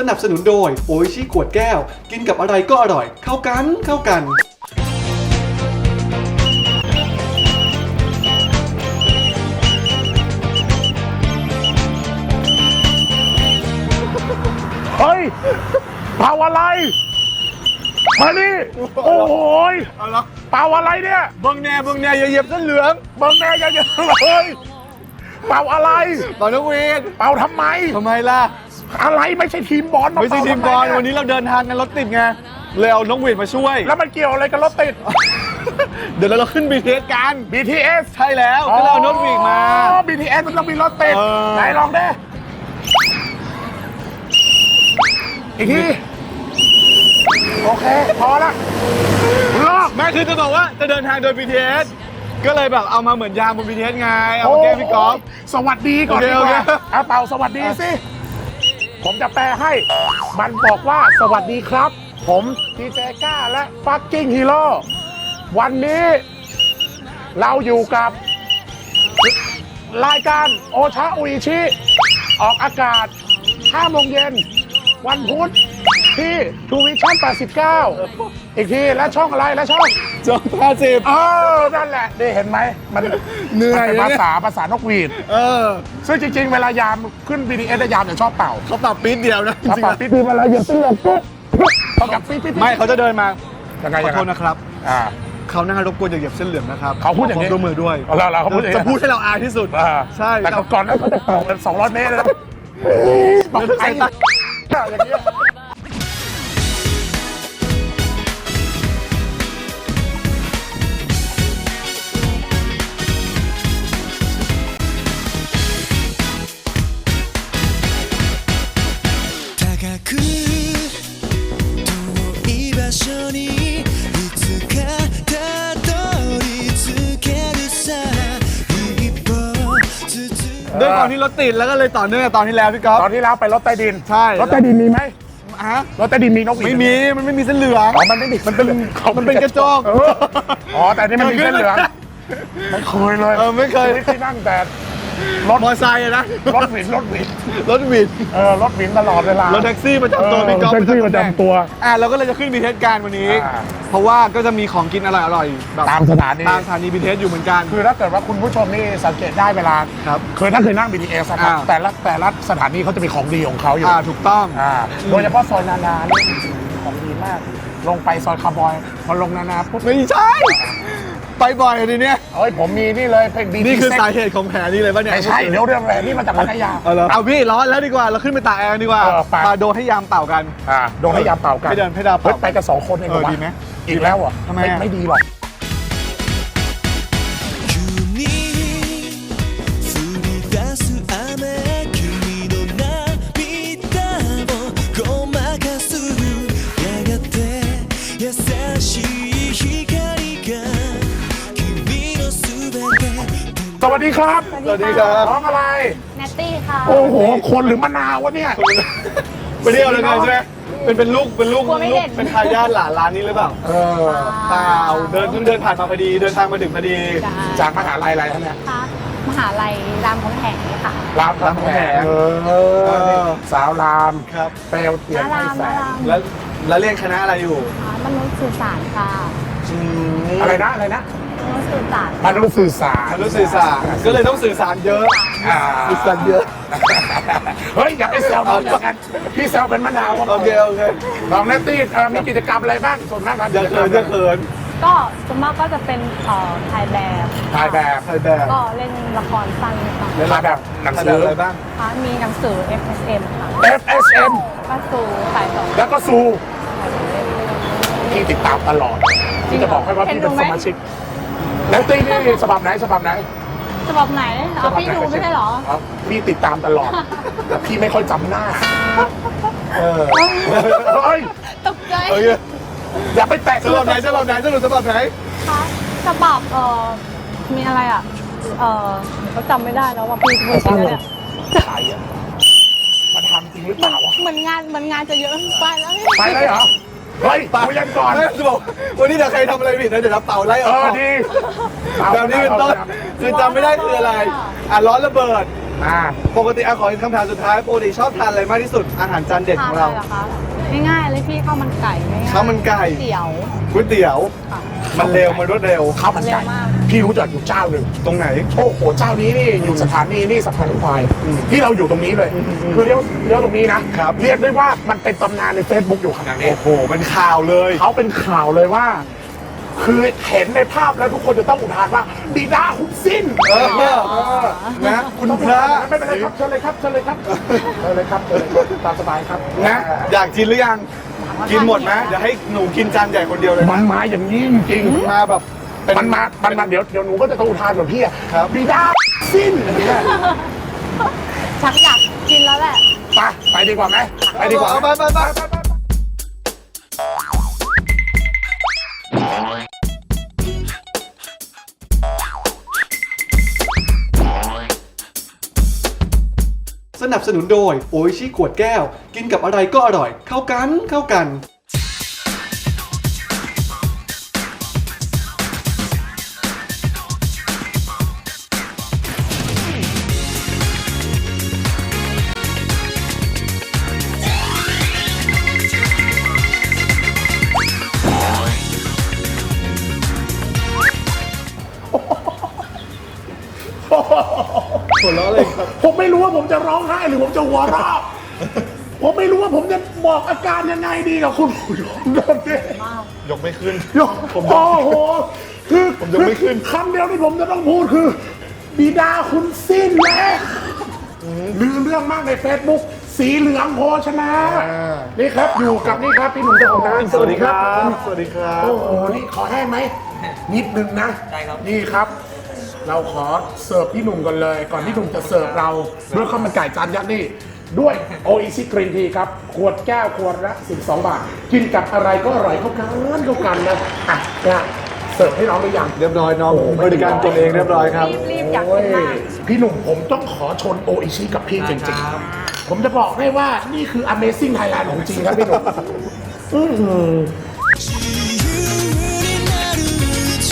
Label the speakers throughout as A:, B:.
A: นับสนุนโดยโออิชิขวดแก้วกินกับอะไรก็อร่อยเข้ากัน
B: เฮ้ยเป่าอะไรมานี่โอ้โหยเป่าอะไรเนี่ย
C: เบิ้งแน่อย่าเหยียบเส้นเหลือง
B: บังแน่อย่าเยอะเลยเป่าอะไร
C: เป่านกหวีด
B: เป่าทำไม
C: ทำไมล่ะ
B: อะไรไม่ใช่ทีมบอลา
C: ไม่ใช่
B: เป่า
C: ทีมบอล
B: ทำไ
C: วันนี้เราเดินทางกันรถติดไงเลยเอานกหวีดมาช่วย
B: แล้วมันเกี่ยวอะไรกับรถติด
C: เดี๋ยวเราขึ้น BTS กัน
B: BTS
C: ใช่แล้วก็เลยเอานกหวีดมา
B: อ๋อ BTS มันต้องมีรถติด
C: เออ
B: ไหนลองดิอีกทีโอเคพอละลอก
C: แม่คือจะบอกว่าจะเดินทางโดย BTS ก็เลยแบบเอามาเหมือนยางบน BTS ไงเอามาแก้พี่กอล์ฟ
B: สวัสดีก่อนดีก
C: โอ
B: ว่า
C: เค
B: เอาเป่าสวัสดีสิ ผมจะแปลให้ มันบอกว่าสวัสดีครับ ผมดีเจก้าและฟักกิ้งฮีโร่วันนี้เราอยู่กับรายการโอชาอุอิชิ ออกอากาศ5 โมงเย็น วันพุธที่ทูวิชั่น89 อีกทีและช่องอะไรและช่อง
C: จง50
B: นั่นแหละได้เห็นไหมมัน
C: เหนื่อย
B: มันเป็นภาษานกหวีด ซึ่งจริงๆ เวลายามขึ้น BTS ยามจะชอบเป่า
C: เขาปรับปี๊ดเดียวนะจ
B: เขา
C: ริง
B: เป่า
C: ๆ
B: ปี๊ดเวลาเหยียบเส้นเหลืองปุ๊บเขากับปี๊ด
C: ไม่เขาจะเดินมา
B: ยังไง
C: ขอโทษนะครับ
B: อ่า
C: เขาหน้ารบกวนอย่าเหยียบเส้นเหลืองนะครับ
B: เขาพูดอย่างนี้
C: นี้ร่วมมือด้วย
B: เราเขาพูดอย่างนี้
C: จะพูดให้เราอายที่สุด
B: อ่า
C: ใช่
B: แต่ก่อนนั้นเขาจะเป่ากัน200 เมตรนะบอกไอ้อย่างเงี้ย
D: 遠い場所にいつかたどり着けるさ一歩ずつ
C: ด้วยความที่รถติดแล้วก็เลยต่อเนื่องกับตอนที่แล้วพี่ก๊อฟ
B: ตอนที่แล้วไปรถใต้ดิน
C: ใช่
B: รถใต้ดินมีไหม
C: ฮะ
B: รถใต้ดินมีนกหวีด
C: ไม่มี มันไม่มีเส้นเหลือง
B: อ๋อมันไม่มีมันเป็น
C: กระจก
B: อ๋อแต่นี่มันมีเส้นเหลืองไม่เคยเลย
C: ไม่เคย
B: ชีวิตที่นั่งแต่รถ
C: มอไซค์อะนะ
B: รถหวิน
C: รถวิน
B: รถหวินตลอดเวลาร
C: ถแท็กซี่ประจำตัวพี่ก๊อฟ
B: แท็กซี่ประจำตัว
C: เราก็เลยจะขึ้นบีเทสการวันนี้
B: อ่า
C: เพราะว่าก็จะมีของกินอร่อยๆแบบ
B: ตามสถานี
C: ตามสถานีบีเทสอยู่เหมือนกัน
B: คือถ้าเกิดว่าคุณผู้ชมนี่สังเกตได้เวลา
C: ครับ
B: คือถ้าเคยนั่ง BTS นะครับ
C: อ่า
B: แต่ละสถานีเขาจะมีของดีของเขาอยู่
C: ถูกต้อง
B: โดยเฉพาะซอยนานานี่ของดีมาก ลงไปซอยคาร์บอยพอลงนานาปุ๊บ
C: ไม่ใช่ ไปบ่อยทีเนี้ย
B: เอ้ยผมมีนี่เลยเพลงดี
C: นี่คือสาเหตุของแผลนี่เลยป่ะเนี่ย
B: ไม่ใช่เดี๋ยวเรื่องแรงนี่มาจากพัทยา
C: เอาพี่ร้อนแล้วดีกว่าเราขึ้นไปตากแอร์ดีกว่า
B: ไป
C: มาโดนให้ยามเป่ากัน
B: โดนให้ยามเป่ากัน
C: ให้เดินให้ดาว
B: เฮ้ย
C: เป่า
B: ไปกัน2 คนเองเหรอวะ
C: ดีไหม
B: อีกแล้วเหรอ่ะ
C: ทำไมอ่ะ
B: ไม่ดีหรอก
D: 急に降り出す雨君の涙をごまかすやがて優しい光が君のすべて
B: สวัสดีครับ
C: สวัสดีครับ
B: น้องอะไร
E: แนตตี้ค่ะ
B: โอ้โห คนหรือมะนาววะเนี่ย
C: ไปเที่ยวเลยไงใช่ไหมเป็นลูก
E: กลัวไม่เห็น
C: เป็นทายาทหลานร้านนี้หรือเปล่า
B: เออ
C: เปล่าเดินผ่านมาพอดีเดินทางมาถึงพอดี
B: จากมหาลัยอะไรท่านเนี่ย
E: ค่ะมหาลัยรามคำแหงค่ะ
B: รามคำแหงสาวราม
C: ครับ
B: เปลวเทียนให้แสง
C: แล้วเรียนคณะอะไรอยู่
E: มนุษย์สื่อสารค่ะ
B: อะไรนะอะไรนะ
E: มนุษย์สื่อสาร
B: มนุษย์สื่อสาร
C: มนุษยสื่อสารก็เลยต้องสื่อสารเยอะ สื่อสารเยอะ
B: เฮ้ยอย่าไปแซวน้องอย่างนั้นพี่แซวเป็นมะนาว
C: โอเค
B: น้องเนตตี้มีกิจกรรมอะไรบ้างส่วนมากการ
C: อย่าเขิน
E: ก็ส่วนมากก็จะเป็นถ่ายแบบ
B: ถ่ายแบบ
C: ถ่ายแบบ
E: ก็เล่นละครสั้นค่ะ
B: ถ่ายแบบหนัง
C: ถ่าย
B: สื
C: แบบ
B: อ
C: อะไรบ้าง
E: มีหนังสือ FSM ค่ะ
B: FSM
E: ก็สูถ่ายต่อ
B: แล้วก็ซูที่ติดตามตลอดที่จะบอกให้ว่าพี่เป็นสมาชิกเนตตี้นี่ฉบับไหน
E: ฉบับไหนพี่ดูไม่ใช่เหรอ
B: ครับพี่ติดตามตลอดแต่พี่ไม่ค่อยจำหน้าเฮ้ย
E: ตกใจ
C: โอเค
B: อย่าไปแตะ
C: ฉบับไหนสรุปฉบับไหน
E: ค่ะฉบับมีอะไรอ่ะเขาจำไม่ได้แล้วว่าพี่พูดจริงแล้วเนี่ย
B: ใครอะมาทำจริงหรือเปล่าวะ
E: เหมือนงานจะเยอะไปแล้วพี่
B: ไปเลยเหรอ เฮ้ยคุยกันก่อน
C: ไม่จะบอกวันนี้เดี๋ยวใครทำอะไรผิดนะเดี๋ยวเราเป่าไล่ออก
B: ดี
C: แบบนี้เป็นต้นคือจำไม่ได้คืออะไรร้อนระเบิดปกติขอคำถามสุดท้ายปกติชอบทานอะไรมากที่สุดอาหารจานเด็ด
E: ทา
C: ข
E: น
C: อง
E: อะไร
C: เรา
E: เหรอคะง่ายๆเลยพี่ข้าวมันไก่ง่ายๆ
C: ข้าวมันไก่
E: เตี๋ยว
C: ก๋วยเตี๋ยว
E: ค่ะ
C: มันเร็วมันรวดเร็ว
B: ข้าวมันไก่
E: เร็วมาก
B: พี่รู้จักอยู่เจ้าหนึ่ง
C: ตรงไหน
B: โอ้โหเจ้านี้นี่อยู่สถานีนี่สะพานควายที่เราอยู่ตรงนี้เลยคือเลี้ยวตรงนี้นะครับ เรียกได้ว่ามันเป็นตำนานใน Facebook อยู่ขนาดนี้
C: โอ้โหเป็นข่าวเลย
B: เขาเป็นข่าวเลยว่า คือเห็นในภาพแล้วทุกคนจะต้องอุทานว่าบิดาคุณสิ้น
C: นะคุณพระ
B: ไม่เป็นไรครับเชิญเลยครับเชิญเลยครับเชิญเลยครับเชิญเลยครับตามสบายครับ
C: นะ อยากกินหรือยัง กินหมดไหมเดี๋ยวให้หนูกินจานใหญ่คนเดียวเลย
B: มันมาอย่างนี้จริง
C: มาแบบเป็น
B: มันมาเดี๋ยวหนูก็จะต้องอุทานแบบพี่อะ
C: ครับ
B: บิดาสิ้นอย่างเงี้ย
E: ชักอยากกินแล้วแหละ
B: ไปดีกว่าไหมไปดีกว่า
C: เอาไปไปไป
A: สนับสนุนโดยโออิชิขวดแก้ว กินกับอะไรก็อร่อย เข้ากันเข้ากัน
C: หัวเราะเลยครับ
B: ผมไม่รู้ว่าผมจะร้องไห้หรือผมจะหัวเราะผมไม่รู้ว่าผมจะบอกอาการยังไงดีกับคุณผู้ชมตอนนี้
C: ยกไม่ขึ้น
B: โอ้โหคือ
C: ผมยกไม่ขึ้น
B: คำเดียวที่ผมจะต้องพูดคือ บิดาคุณสิ้นแล้วลือเรื่องมากใน Facebook สีเหลืองโภชนะนี่ครับอยู่กับนี่ครับพี่หนุ่มเจ้าของร้าน
C: สวัสดีครับ สวัสดีครับ
B: โอ้โหนี่ขอแห้งไหมนิดนึงนะได้ครับนี่ครับ เราขอเสิร์ฟพี่หนุ่มกันเลย ก่อนที่หนุ่มจะเสิร์ฟเราด้วยข้าวมันไก่จานยักษ์นี่ด้วยโออิชิกรีนทีครับขวดแก้วขวดละ12 บาท กินกับอะไรก็อร่อยเข้ากันนะอ่ะเนี่ยเสิร์ฟให้น้องหรือยัง
C: เรียบร้อยน้องบริการตัวเองเรียบร้อยครับ
E: รีบอยากกินมาก
B: พี่หนุ่มผมต้องขอชนโออิชิกับพี่จริงๆ ผมจะบอกให้ว่านี่คือ Amazing Thailand ของจริงครับพี่หนุ่มอื้อหือ
D: 自由になるうち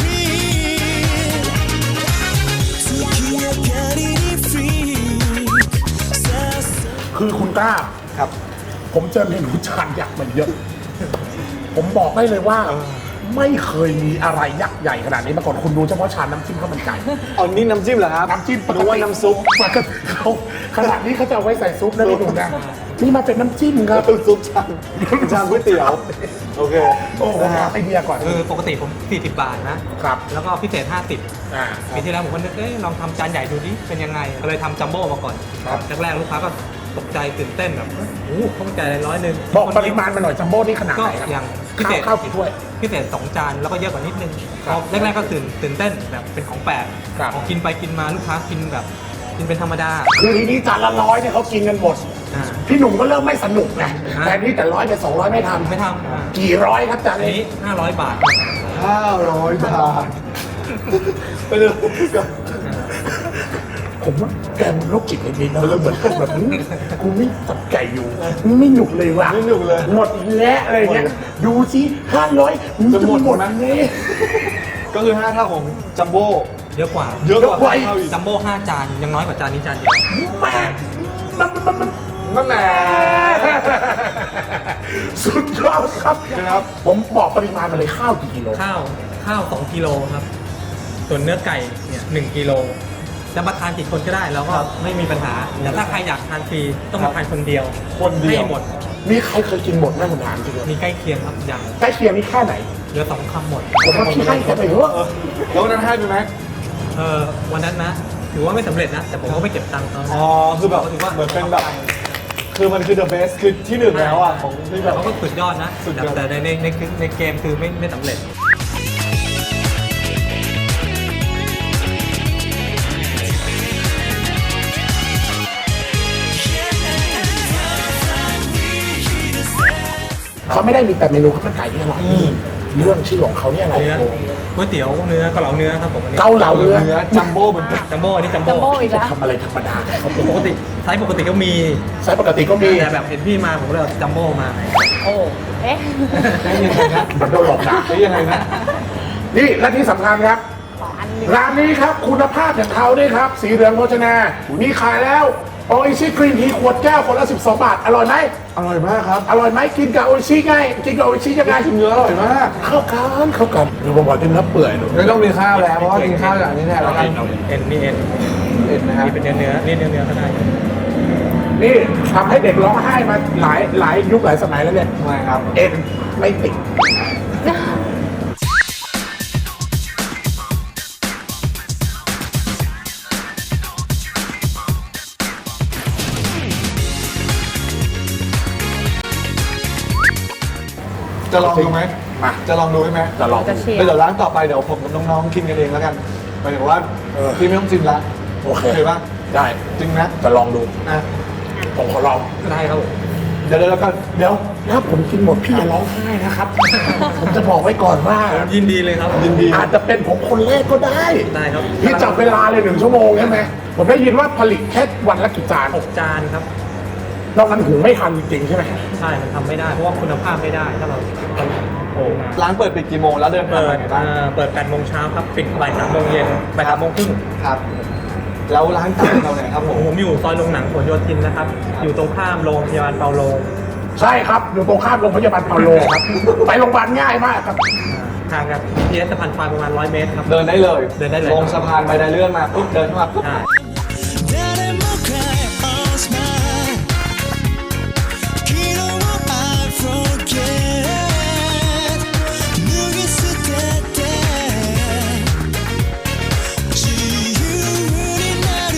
D: 月明かりにフリーさあさ
B: คือคุณกล้า
C: ครับ
B: ผมเจอเมนูจานยักษ์มาเยอะ ผมบอกได้เลยว่า ไม่เคยมีอะไรยักษ์ใหญ่ขนาดนี้มาก่อนคุณดูเฉพาะชามน้ำจิ้มข้าวมันไก่
C: เอานี่น้ำจิ้มเหรอครับ
B: น้ำจิ้ม
C: นึกว่าน้ำซุป
B: ปกติเขาขนาดนี้เขาจะเอาไว้ใส่ซุปนะพี่หนุ่มนะนี่มาเป็นน้ำจิ้มครับ
C: ซุปชามก๋วยเตี๋ยว โอเค
B: โอ้โหไอเดียก่อน
F: คือปกติผม 40 บาทนะ
B: ครับ
F: แล้วก็พิเศษ 50
B: อ่า
F: ปีที่แล้วผมก็นึกลองทำจานใหญ่ดูดิเป็นยังไง ก็เลยทำจัมโบ้มาก่อน
B: ครับ
F: แรกๆลูกค้าก็ตกใจตื่นเต้นแบบโอ้โหข้าวมันไก่100
B: บอกปริมาณมาหน่อยจัมโบ้นี่ขนาด
F: ก็
B: ไหนครับ
F: อย่างพิเศษ
B: ข้าวกี่ถ้วย
F: พิเศษ 2 จานแล้วก็เยอะกว่านิดนึง
B: ครับ
F: พอแรกๆก็ตื่นเต้นแบบเป็นของแปลก
B: ครับ
F: พอกินไปกินมาลูกค้ากินแบบกินเป็นธรรมดา
B: คือทีนี้จานละ100เนี่ยเขากินกันหมด
F: อ่า
B: พี่หนุ่มก็เริ่มไม่สนุกไงแต่นี่แต่100เป็น200ไม่ทำ
F: ไม่ทำอ่า
B: กี่ร้อยครับจาน
F: อัน
B: นี้
F: นี้500 บาท
C: 500 บาท ไปเลย
B: ผมว่าแกมันโรคจิตในนี้นะแล้วเหมือนกับแบบนี้กูไม่จับไก่อยู่ไม่หนุกเลยว่ะ
C: ไม่หนุกเลย
B: หมดอีกแล้วอะไรเงี้ยดูสิ500มึงจะหมดไหม
C: ก็คือ5เท่าของจัมโบ้
F: เยอะกว่า
C: เยอะกว่า5เท่าอีก
F: จัมโบ้5 จานยังน้อยกว่าจานนี้จานเดียว
B: แม่มัน
C: นั่นแหละ
B: สุดยอดครับ
C: ครับ
B: ผมบอกปริมาณมาเลยข้าวกี่กิโล
F: ข้าว 2 กิโลครับ ส่วนเนื้อไก่เนี่ย1 กิโล จะมาทานกี่คนก็ได้แล้วก็ไม่มีปัญหา แต่ถ้าใครอยากทานฟรีต้องมาทานคนเดียว
C: คนเดียว
F: ให้หมด
B: มีใครเคยกินหมดไหมผมถามจริงเลย
F: มีใกล้เคียงครับอย่าง
B: ใกล้เคียงนี่แค่ไหน
F: เหลือ2 คำหมด
B: ผมว่าพี่ให้แค่ไหนวะ
C: แล้ววันนั้นให้ไปไหม
F: วันนั้นนะ ถือว่าไม่สำเร็จนะ แต่ผมก็ไม่เก็บตังค์เขา
C: อ๋อ คือแบบเหมือนเป็นแบบ คือมันคือ the best คือที่หนึ่งแล้วอ่ะของที่แบบ
F: เขาก็สุดยอดนะ
C: สุดยอด
F: แต่ในเกมคือไม่สำเร็จ
B: เขาไม่ได้มีแต่เมนูข้าวมันไก่ที่อร่อยเรื่องชื่อของเขาเนี่ยอะไร
F: เนื้อก๋วยเตี๋ยวเนื้อเกาเหลาเนื้อครับผมอันนี้
B: เกาเหลาเนื้อ
C: เนื้อจัมโบ้เหมือนกัน
F: จัมโบ้อันนี้จัม
E: จัม
F: โบ้
E: โบ้อีกแล้ว
B: ทำอะไรธรรมดาเขาเป็น
F: ปกติไซส์ปกติก็มี
B: ไซส์ปกติก็มี
F: แต่แบบเห็นพี่มาผมก็เลยเอาจัมโบ้มา
E: โอ้เอ๊ะ
C: ได้ยังไงนะ
B: เหมือนโดนหลอกด่า
C: ได้ยังไงนะ
B: นี่และที่สำคัญครับ
E: ขออัน
B: ร้านนี้ครับคุณภาพอย่างเขาด้วยครับ สีเหลืองโภชนา มีขายแล้วโออิชิกรีนทีขวดแก้วคนละ12 บาท อร่อยไหม
C: อร่อยมากครับ
B: อร่อยไหมกินกับโออิชิไงกินกับโออิชิยังไง
C: เนื้ออร่อยมาก
B: เข้ากันเดี๋ยวผมบอกกินเนื้อเปื่อยดู
C: ไม่ต้องมีข้าวแล้วเพราะว่ากินข้าวอย่างนี้แทนแล้วกัน
F: เอ็นนี่เอ็น
C: เอ็นนะครับ
F: นี่เป็นเนื้อนี่เนื้อก็ได้
B: นี่ทำให้เด็กร้องไห้มาหลายยุคหลายสมัยแล้วเนี่ย
C: ทำไมครับ
B: เอ็นไม่ติด
C: จะลองดูไหม
B: มา
C: จะลองดูใช่ไหม
B: จะลอง
E: จะเชียร์
C: แล้วเดี๋ยวร้านต่อไปเดี๋ยวผมกับน้องๆกินกันเองแล้วกันหมายถึงว่าพี่ไม่ต้องชิมละ
B: โอเค
C: ป่ะ
B: ได้
C: จริงนะ
B: จะลองดู
C: อ่ะ
B: ผมขอลอง
F: ได้ครับผม
C: เดี๋ยวแล้วกัน
B: เดี๋ยวถ้าผมกินหมดพี่อย่าร้องไห้นะครับ ผมจะบอกไว้ก่อนว่า
F: ยินดีเลยครับ
C: ยินดี
B: อาจจะเป็นผมคนแรกก็ได้
F: ได้ครับ
B: พี่จับเวลาเลย1 ชั่วโมงใช่ไหมผมได้ยินว่าผลิตแค่วันละกี่จาน
F: 6 จานครับ
B: นอกนั้นหุงไม่ทันจริงๆใช่ไหม
F: ใช่มันทำไม่ได้เพราะว่าคุณภาพไม่ได้ถ้าเราโอ้
C: ร้านเปิดปิดกี่โมงแล้วเดินทาง
F: เปิ
C: มา
F: ด
C: ไงบ้าง
F: เปิด8 โมงเช้าครับปิดบ่าย3 โมงเย็นบ่าย3 โมงครึ่ง
C: ครับ แล้วร้านต่างเราเนี่ยครับผม
F: ผมอยู่ซอยโรงหนังผลโยธินนะครับ อยู่ตรงข้ามโรงพยาบาลเปาโล
B: ใช่ครับอยู่ตรงข้ามโรงพยาบาลเปาโลครับ ไปโรงพยาบาลง่ายมากครับ
F: ทางกับพีเอสสะพานควายประมาณ100 เมตรครับ
C: เดินได้เลย
F: เดินได้เลย
C: ลงสะพานไปได้เลื่อนมาปุ๊บเดินเข้ามาปุ๊บ
F: ใช่
D: 誰も cry or smile 昨日を I forget 脱ぎ捨てて自由になる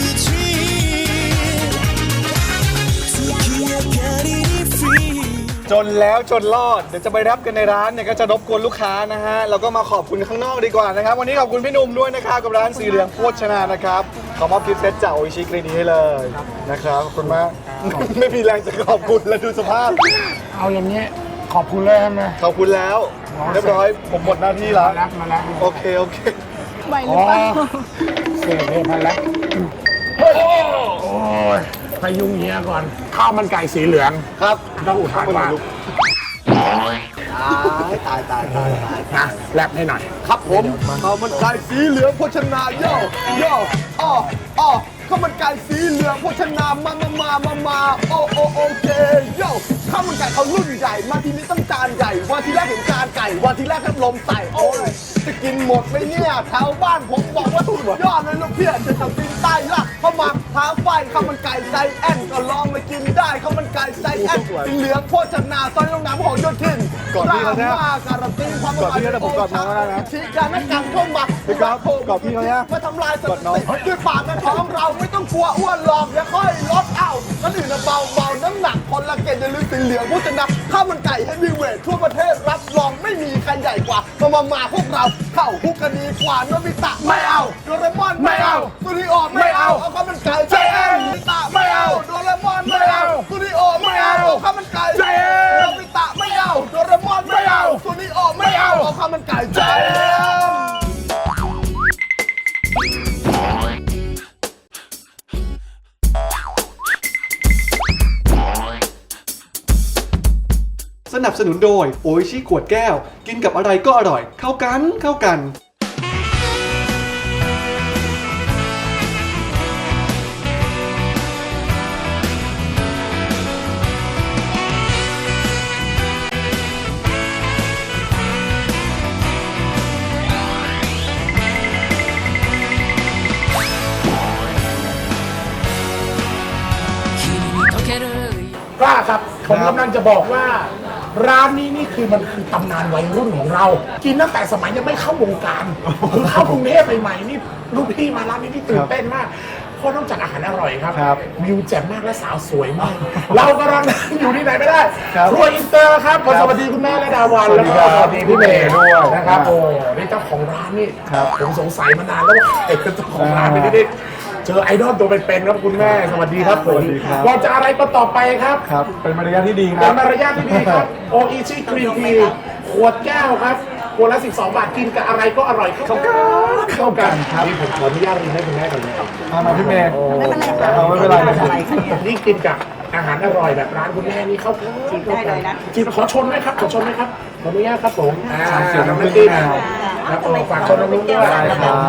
D: dream 月明かりに free
C: จนแล้วจนรอดเดี๋ยวจะไปรับกันในร้านเนี่ยก็จะรบกวนลูกค้านะฮะแล้วก็มาขอบคุณข้างนอกดีกว่านะครับวันนี้ขอบคุณพี่หนุ่มด้วยนะครับกับร้านสีเหลืองโภชนานะครับขอมอบกิฟต์เซตจากโออิชิกรีนทีให้เลยนะครับขอบคุณมาก ไม่มีแรงจะขอบคุณแล้วดูสภาพ
B: เอาอย่างนี้ขอบคุณเลยใช่ไหม
C: ขอบคุณแล้วเรียบร้อยผมหมดหน้าที่แล้ว
B: มาแล้ว
C: โอเคโอเค
E: ไหวหรือเปล่า
B: เสียเพพันแล้วโอ้ยพยุงเฮียก่อน ข้าวมันไก่สีเหลือง
C: ครับ
B: ต้องอุทานว่า
C: ตาย
B: นะแลบให้หน่อย
C: ครับผมข้าวมันไก่สีเหลืองโภชนาโย่โย่อ้อข้าวมันไก่สีเหลืองโภชนามาโอเคโย่ข้าวมันไก่เขารุ่นใหญ่มาทีนี้ต้องจานใหญ่วันที่แรกเห็นจานไก่วันที่แรกก็ลมใส่โอ้ยจะกินหมดไหมเนี่ยแถวบ้านผมบอกว่าสุดยอดเลยลูกเพี้ยจะทำกินใต้ละเข้ามาท้าไฟข้าวมันไก่ใจแอนก็ลองมากินได้ข้าวมันไก่ใจแอนสีเหลืองโภชนาซอยโรงน้ำของโยธินก่อนที่เขาเนี่ยการันตีความอร่อยผมกอดน้องแล้วนะชี้การนักการเข้ามาพี่ครับกอดพี่เขาเนี่ยมาทำลายสถิติด้วยปากและท้องเราไม่ต้องกลัวอ้วนหรอกอย่าค่อยลดเอาคนอื่นเบาน้ำหนักคนละเกณฑ์อย่าลืมสีเหลืองโภชนาข้าวมันไก่เฮฟวีเวททั่วประเทศรับรองไม่มีใครใหญ่กว่ามาพวกเราเข้าคุกกันดีกว่าโนบิตะไม่เอาโดเรมอนไม่เอาซูริโอไม่เอาข้าวมันไก่ใจแอนโนบิตะไม่เอาโดเรมอนไม่เอาซูริโอไม่เอาข้าวมันไก่ใจแอนโนบิตะไม่เอาโดเรมอนไม่เอาซูริโอไม่เอาข้าวมันไก่ใจแอน
A: สนับสนุนโดยโออิชิขวดแก้ว กินกับอะไรก็อร่อย เข้ากัน
B: กล้าครับ ผมกำลังจะบอกว่า ร้านนี้นี่คือมันคือตำนานวัยรุ่นของเรา กินตั้งแต่สมัยยังไม่เข้าวงการคือเข้ากรุงเทพใหม่ๆนี่ลูกพี่มาร้านนี้นี่ตื่นเต้นมากเพราะนอกจากอาหารอร่อยครับวิวแจ่มมากและสาวสวยมาก เรากำลังอยู่ที่ไหนไม่ได้ครัวอินเตอร์ครับขอสวัสดีคุณแม่และดาวันแล้วก็สวัสดีพี่เมย์ด้วยนะครับโอ้นี่เจ้าของร้านนี่ผมสงสัยมานานแล้วว่าใครเป็นเจ้าของร้านไม่ได้เจอไอดอลตัวเป็นๆครับคุณแม่สวัสดีครับผมเราจะอะไรก็ต่อไปครับ
C: ครับเป็นมารยาทที่ดีค
B: เป็
C: รั
B: น
C: บ
B: มารยาทที่ดีครับโออิชิกรีนทีขวดแก้วครับขวดละ12 บาทกินกับอะไรก็อร่อยเข้ากันครับนี่ผมขออนุญาตรีให้คุณแม่ก่อนนะครับ
C: มาพี่เมย์
B: ไม่เป็นไรครับ
C: ไม่เป็นไรนะครับ
B: นี่กินกับอาหารอร่อยแบบร้านคุณแม่นี่เข้ากันกินได้เลยนะกินขอชนไหมครับขอชนไหมครับขออนุญาตครับผม
C: ชามเขียวน้ำผึ้ง
B: จิ้ม
C: มะนาว
B: แล้วก็ฝากชมน้องลุงด้วย
A: ได้ครับ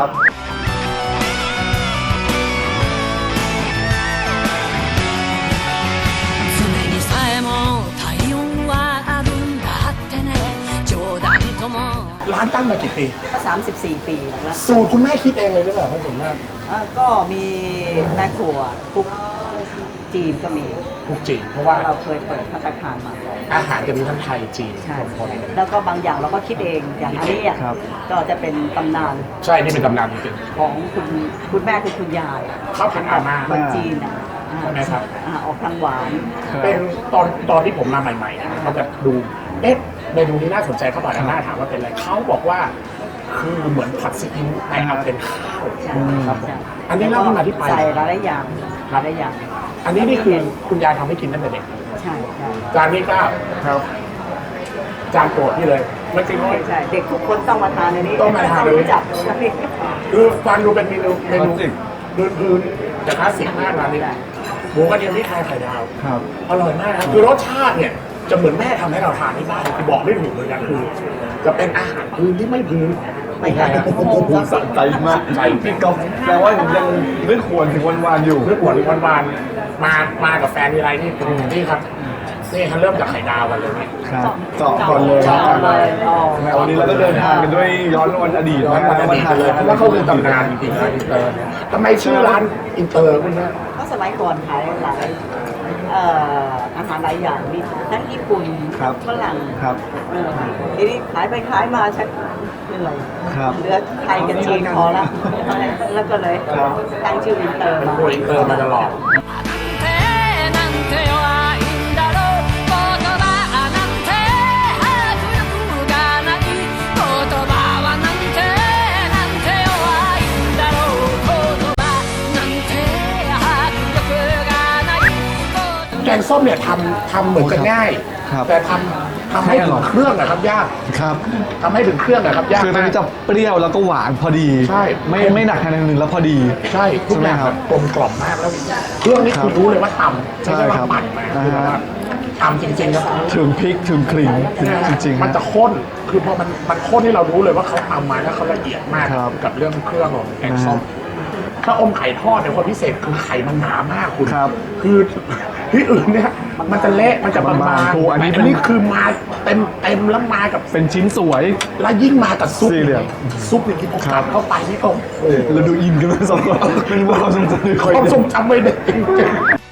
D: 常にさえも体温はあるんだってね冗談とも
B: ร้านตั้งมากี่ปี
G: ก็34 ปีแล้ว
B: สูตรคุณแม่คิดเองเลยหรือเปล่าครับผมว่า
G: ก็มีแม่ครัวคุกจีนก็มี
B: ทุกจีนเพราะว่า
G: เราเคยเปิดภัตตาคารมาก่อน
B: อาหารจะมีทั้งไทยจีน
G: ใช่
B: ผสมกัน
G: แล้วก็บางอย่างเราก็คิดเองอย่างอันนี้อ่ะ
A: ครับ
G: ก็จะเป็นตำนาน
B: ใช่นี่เป็นตำนานจริง
G: ของคุณแม่คือคุณยาย
B: ข้าวผัดอาม่า
G: คนจีนอ่ะ
B: ใช่ไหมครับ
G: ออกทางหวาน
B: เป็นตอนที่ผมมาใหม่ๆนะเขาจะดูเอ๊ะเมนูนี้น่าสนใจเข้ามาหน้าถามว่าเป็นอะไรเขาบอกว่าคือเหมือนผัดซีอิ๊วแต่เอาเป็นข้าว
G: ใช่
B: ครับผม
G: ใช่
B: อันนี้เล่าที่มาที่ไป
G: ใส่หลายๆอย่าง
B: ครับ
G: หลายๆอย่าง
B: อันนี้นี่คือคุณยายทำให้กินตั้งแต่เด็ก
G: ใช่ใช่
B: จานนี้ก็ครับจานโปรดพี่เลยไม่จริงเลย
G: ใช่เด็กทุกคนต้องมาทานในนี้
B: ต้องมาทานเลย
G: รู้จัก
B: คือฟังดูเป็นเมนูพื้นๆแต่คลาสสิกมากร้านนี้หมูกระเทียมพริกไทยไข่ดาว
A: ครับ
B: อร่อยมากครับคือรสชาติเนี่ยจะเหมือนแม่ทำให้เราทานที่บ้านคือบอกไม่ถูกเลยนะคือ จะเป็นอาหารพื้นที่ไม่พื้นไม่ใช่ครับผม
A: สะใจมาก
B: ใจ
A: พี่ก๊อฟแปลว่าผมยังนึกหวนถึงวันๆอยู่
B: เรื่องหวานหวานๆมากับแฟนทีไรนี่นี่ครับนี่เขาเริ่มจากไข่ดาวกันเลยนี่
A: ครับเจาะก่อนเลย
G: เจาะเลยอ๋อ
A: แม้วันนี้เราก็เดินทางกันด้วยย้อนวันอดีต
B: ย้อนมาดีกันเลยเพราะว่าเขาคือตำนานจริงๆนะอินเตอร์เนี่ยทำไมชื่อร้านอินเตอร์คุณแม่
G: ก็สมัยก่อนขายหลายอาหารหลายอย่างมีทั้งญี่ปุ่น
A: ครับ
G: ฝรั่ง
A: ครับ
G: ทีนี้ขายไปขายมาชักเหนื่อย
A: ครับ
G: เหลือไทยกับจีนพอแล้วแล้วก็เลย
A: ครับ
G: ตั้งชื่ออินเตอร์
B: เป็น
G: มา
B: ตัวอินเตอร์มาตลอด
D: なんて弱いんだろう言葉なんて迫力がない言葉はなんて弱いんだろう言葉なんて迫力がない
B: แกงส้มเนี่ยทำเหมือนจะง่าย
A: ครับ
B: แต่ทำให้ถึงเครื่องนะครับยาก
A: ครับ
B: ทำให้ถึงเครื่องนะครับยาก
A: คือตอน
B: มาก
A: นี้จะเปรี้ยวแล้วก็หวานพอดี
B: ใช่
A: ไม่หนักทางใดทางหนึ่งแล้วพอดี
B: ใช่ทุกอย่าง
A: ใช่ไหมครับ
B: แบบกลมกล่อมมากแล้วเครื่องนี้
A: ครับ
B: คุณรู้เลยว่าทำ
A: ใช่
B: ไม่ใช่ว่า
A: ครับ
B: ปั่นมา
A: นะฮะ
B: คือแบบว่าทำจริงๆครับ
A: ถึงพริกถึงกลิ่นจริงๆ
B: มัน
A: ฮะ
B: จะข้นคือพอมันข้นที่เรารู้เลยว่าเขาทำมาแล้วเขาละเอียดมาก
A: ครับ
B: กับเรื่องเครื่องของแกงส้มถ้าอมไข่ทอดเนี่ยความพิเศษคือไข่มันหนามากคุณ
A: ครับ
B: คือที่อื่นเนี่ยมันจะเละมันจะบาง
A: บางๆถูกอันนี้
B: แต่
A: เป็น
B: อันนี้คือมาเต็มแล้วมากับ
A: เป็นชิ้นสวย
B: แล้วยิ่งมากับซุป
A: สี่เหลี่ยม
B: ซุปอย่างที่ผมกัดเข้าไปนี่โอ้โห
A: เราดูอินกันไหมสองคนเป็นความทรงจำใน
B: ความทรงจำไม่ได้จริง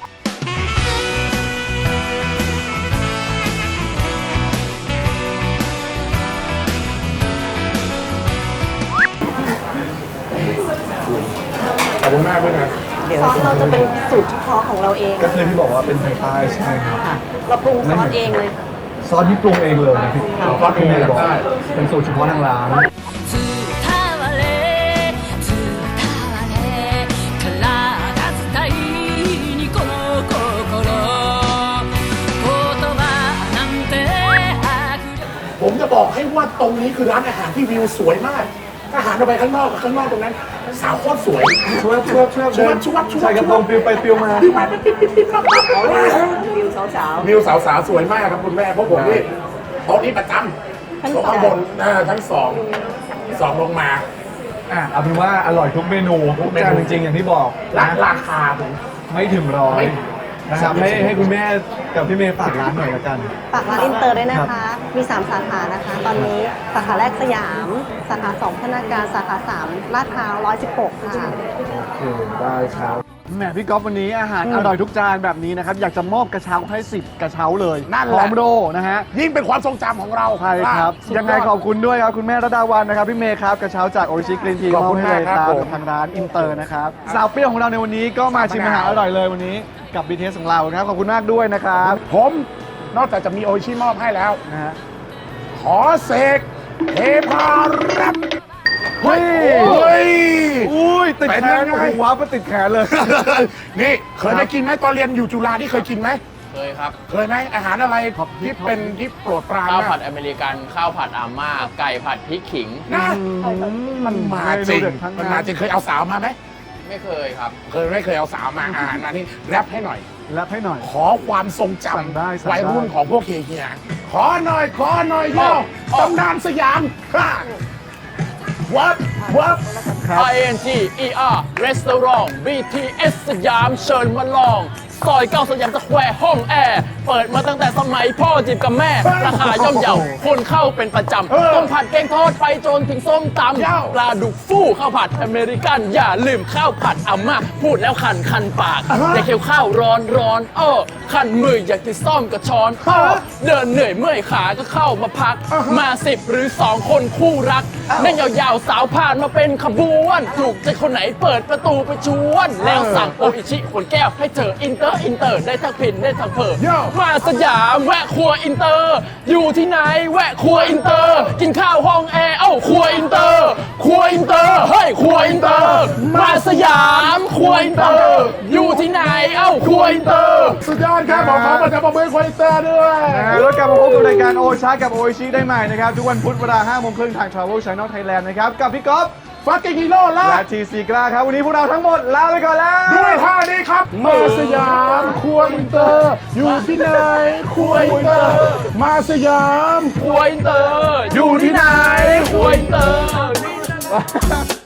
B: ๆขอบคุณมากด้วยนะ
G: เดี๋ยว
E: ซอสเราจะเป็นสูตรเฉพาะของเราเอง
A: ก็คือที่บอกว่าเป็นไทยใต้ใช่ไหมครับ
G: ค่ะ
E: เราปรุงซอสเองเลย
A: ซอสที่ปรุงเองเลยนะพี่
B: ซอสปรุงเอง
A: บอก
B: ได้
A: เป็นสูตรเฉพาะทางร้าน
D: 伝われ伝われ体伝いにこの心言葉なんて迫力
B: ผมจะบอกให้ว่าตรงนี้คือร้านอาหารที่วิวสวยมากถ้าหันออกไปข้างนอกตรงนั้น สาวโคตรสวย
A: ช่วย ใช่กระโปรงปิวไปปิวมา
B: ปิ๊บปิ๊บปิ๊บปิ๊บปิ๊บปิ๊บ
G: วิวสาว
B: วิวสาวๆสวยมากครับคุณแม่เพราะผมนี่โต๊ะนี้ประจำโต๊ะข้างบนทั้งสองลงมา
A: เอาเป็นว่าอร่อยทุกเมนูทุกจานจริงๆอย่างที่บอกนะ
B: ราคาผม
A: ไม่ถึงร้อย
B: ไม่
A: นะครับให้คุณแม่กับพี่เมย์ฝากร้านหน่อยละกัน
E: ฝากร้านอินเตอร์ด้วยนะคะ มี 3 สาขานะคะ ตอนนี้สาขาแรกสยาม สาขา 2 พัฒนาการ สาขา 3 ลาดพร้าว 116 ค่ะ
A: ได้ครับแหมพี่ก๊อฟวันนี้อาหารอร่อยทุกจานแบบนี้นะครับ อยากจะมอบกระเช้าให้10กระเช้าเลย
B: นั่นแห
A: พ
B: ละ
A: ร้อมโรนะฮะ
B: ยิ่งเป็นความทรงจำของเรา
A: ใช่ครับ
B: สุดอด
A: ยังไงขอบคุณด้วยครับคุณแม่ระดาวันนะครับพี่เมย์ครับกระเช้าจากโอริชิกรีนที
B: ขอบคุณ
A: ให้เลย
B: มากครับผม
A: กับทางร้านอินเตอร์นะครับสาวเปรี้ยวของเราในวันนี้ก็มาชิมอาหารอร่อยเลยวันนี้กับ BTS ของเรานะครับขอบคุณมากด้วยนะครับ
B: ผมนอกจากจะมีโออิชิมอบให้แล้ว
A: นะฮะ
B: ขอเสกเทพารัตน์
A: เฮ้ย
B: เฮ้ย
A: อุ้ยติดแข
B: เป็น
A: น
B: ยังไง
A: โอ้โหว้าวมาติดแขนเลย
B: นี่เคยได้กินไหมตอนเรียนอยู่จุฬาที่เคยกินไหม
H: เคยครับ
B: เคยไหมอาหารอะไรที่เป็นที่โปรดปราน
H: ข้าว
B: มา
H: ผั
B: ก
H: ดอเมริกัน ข้าวผัดอาม่า ไก่ผัดพริกขิง
B: นะมันมาจริง
A: เมนูเด็ดทั้งนั้น
B: มันมาจริงเคยเอาสาวมาไหม
H: ไม่เคยครับ
B: ไม่เคยเอาสาวมาอาหารมานี่แรปให้หน่อย
A: แรปให้หน่อย
B: ขอความทรงจ
A: สั่งได้
B: ำ
A: สั่งได้
B: วัยรุ่นของพวกเฮียๆขอหน่อยย่อตำนานสยามฮ่าวับวับ
H: INGER Restaurant BTS สยามเชิญมาลอง ซอย9สยามสแควร์ห้องแอร์ เปิดมาตั้งแต่สมัยพ่อจีบกับแม่ ราคาย่อมเยาคนเข้าเป็นประจำ ต้มผัดแกงทอดไปจนถึงส้มตำปลาดุกฟู่ข้าวผัดอเมริกัน อย่าลืมข้าวผัดอาม่าพูดแล้วคันปากแต่เคี้ยวข้าวร้อนคันมืออยากจะซ่อมกับช้อนเดินเหนื่อยเมื่อยขาก็เข้ามาพัก มา10หรือ2คนคู่รักนั่งยาวๆสาวผ่านมาเป็นขบวนถูกใจคนไหนเปิดประตูไปชวน แล้วสั่งโออิชิขวดแก้วให้เจออินเตอร์ได้ทั้งพินได้ทั้งเพอมาสยามแวะครัวอินเตอร์ อยู่ที่ไหนแวะครัวอินเตอร์ กินข้าวห้องแอร์เอ้าครัวอินเตอร์เฮ้ยครัวอินเตอร์มาสยามครัวอินเตอร์ อยู่ที่ไหนเอ้าครัวอินเตอร์
B: สุดยอดครับขอประชาประเมินควอลิเตอร์ด้วย
A: แล้วกลับมาพบกับรายการโอชากับโอชิได้ใหม่นะครับ ทุกวันพุธเวลา 5 โมงครึ่งทาง Travel Channel Thailand นะครับ กับพี่ก๊อฟ
B: ฟักกิ้งฮีโร่และ
A: และทีซีกล้าครับ วันนี้พวกเราทั้งหมดลาไปก่อนแล้ว
B: ด้วยท่านี้ครับมาสยามครัวอินเตอร์ อยู่ที่ไหนครัวอินเตอร์ มาสยาม
H: ครัวอินเตอร์ อยู่ที่ไหนครัวอินเตอร์